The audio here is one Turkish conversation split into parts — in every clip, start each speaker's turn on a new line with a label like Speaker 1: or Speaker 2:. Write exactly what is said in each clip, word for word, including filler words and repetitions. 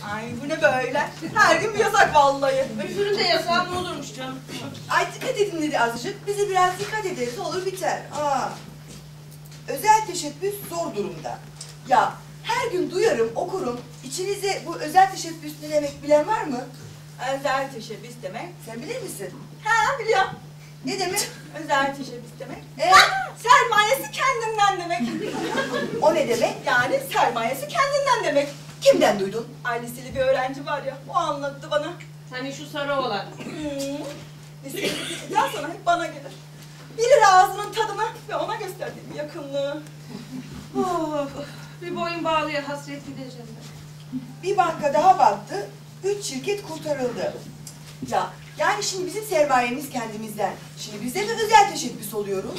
Speaker 1: Ay bu ne böyle? Her gün bir yasak vallahi.
Speaker 2: Öbüründe yasak ne olurmuş canım?
Speaker 1: Ay dikkat edin dedi azıcık. Bize biraz dikkat ederiz olur biter. Aa. Özel teşebbüs zor durumda. Ya her gün duyarım, okurum. İçinizde bu özel teşebbüs ne demek bilen var mı?
Speaker 3: Özel teşebbüs demek.
Speaker 1: Sen bilir misin?
Speaker 3: Ha biliyorum.
Speaker 1: Ne demek?
Speaker 3: Özel teşebbüs demek.
Speaker 1: Ee?
Speaker 3: Ha, sermayesi kendinden demek.
Speaker 1: O ne demek?
Speaker 3: Yani sermayesi kendinden demek.
Speaker 1: Kimden duydun?
Speaker 3: Ay liseli bir öğrenci var ya, o anlattı bana.
Speaker 2: Hani şu sarı olan.
Speaker 3: Hmm. Liseli ya sana hep bana gelir. Bilir ağzının tadını ve ona gösterdiğim yakınlığı.
Speaker 2: Of, bir boyun bağlıya hasret gideceğim ben.
Speaker 1: Bir banka daha battı, üç şirket kurtarıldı. Ya yani şimdi bizim sermayemiz kendimizden. Şimdi biz de mi özel teşebbüs oluyoruz?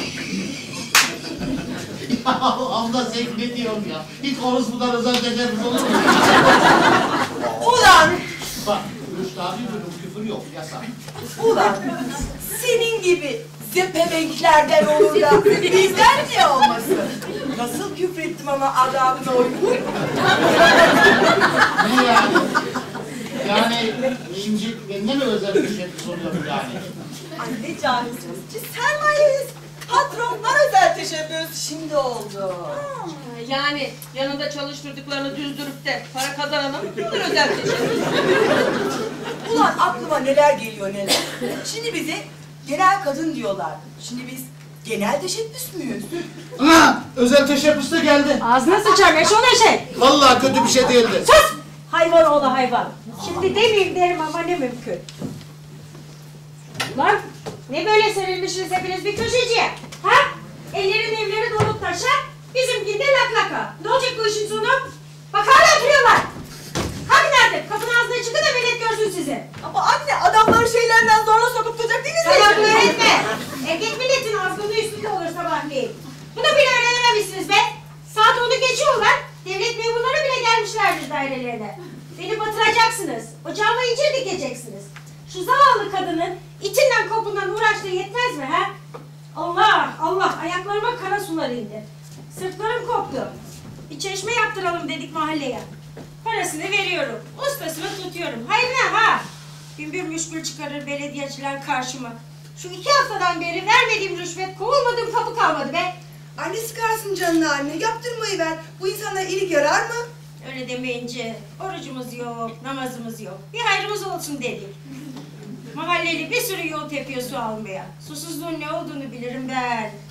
Speaker 4: Abla sen ne diyorsun ya? Hiç orospudan özel teşebbüs olur mu?
Speaker 1: Ulan!
Speaker 4: Bak, Rüştü abi duydum, küfür yok, yasak.
Speaker 1: Ulan! Senin gibi zepebenklerden olur da bizden niye olmasın? Nasıl küfrettim ama adamına uygun?
Speaker 4: Ne yani? Yani şimdi bende mi özel teşebbüs oluyorum yani?
Speaker 3: Ay ne cahilsiniz. Biz sermayeyiz. Patronlar özel teşebbüs.
Speaker 1: Şimdi oldu.
Speaker 2: Ha, Yani yanında çalıştırdıklarını düzdürüp de para kazanan mı olur özel teşebbüs?
Speaker 1: Ulan aklıma neler geliyor neler. Şimdi bize genel kadın diyorlar. Şimdi biz genel teşebbüs müyüz?
Speaker 4: Ha, özel teşebbüs de geldi.
Speaker 5: Ağzına sıçar eşol eşek.
Speaker 4: Vallahi kötü bir şey değildi.
Speaker 5: Sus! Hayvan oğlu hayvan. Şimdi demeyeyim derim ama ne mümkün. Lan ne böyle serilmişsiniz hepiniz bir köşeciye? Ha? Ellerin evleri dolup taşa, bizimkinde lak laka. Ne olacak bu işin sonu? Bak hala oturuyorlar. Hadi nerede? Kapının ağzına çıkın da millet görsün sizi.
Speaker 3: Ama anne adamları şeylerinden zorla sokup tutacak değiliz mi?
Speaker 5: Salak öğretme. Erkek milletin ağzının üstünde olur sabahleyin. Bunu bile öğrenememişsiniz be. Saat onu geçiyorlar. Devlet memurları bile gelmişlerdir dairelerine. Beni batıracaksınız. Ocağıma incir dikeceksiniz. Şu zavallı kadının içinden kopundan uğraştığı yetmez mi ha? Allah Allah ayaklarıma kara sular indi. Sırtlarım koptu. Bir çeşme yaptıralım dedik mahalleye. Parasını veriyorum. Ustasını tutuyorum. Hayır ne ha? Bin bir müşkül çıkarır belediyeciler karşıma. Şu iki haftadan beri vermediğim rüşvet kovulmadığım kapı kalmadı be.
Speaker 1: Anne sıkarsın canını anne. Yaptırmayı ver. Bu insanlara iyilik yarar mı?
Speaker 5: Öyle demeyince orucumuz yok, namazımız yok. Bir hayrımız olsun dedik. Mahalleli bir sürü yol tepiyor su almaya. Susuzluğun ne olduğunu bilirim ben.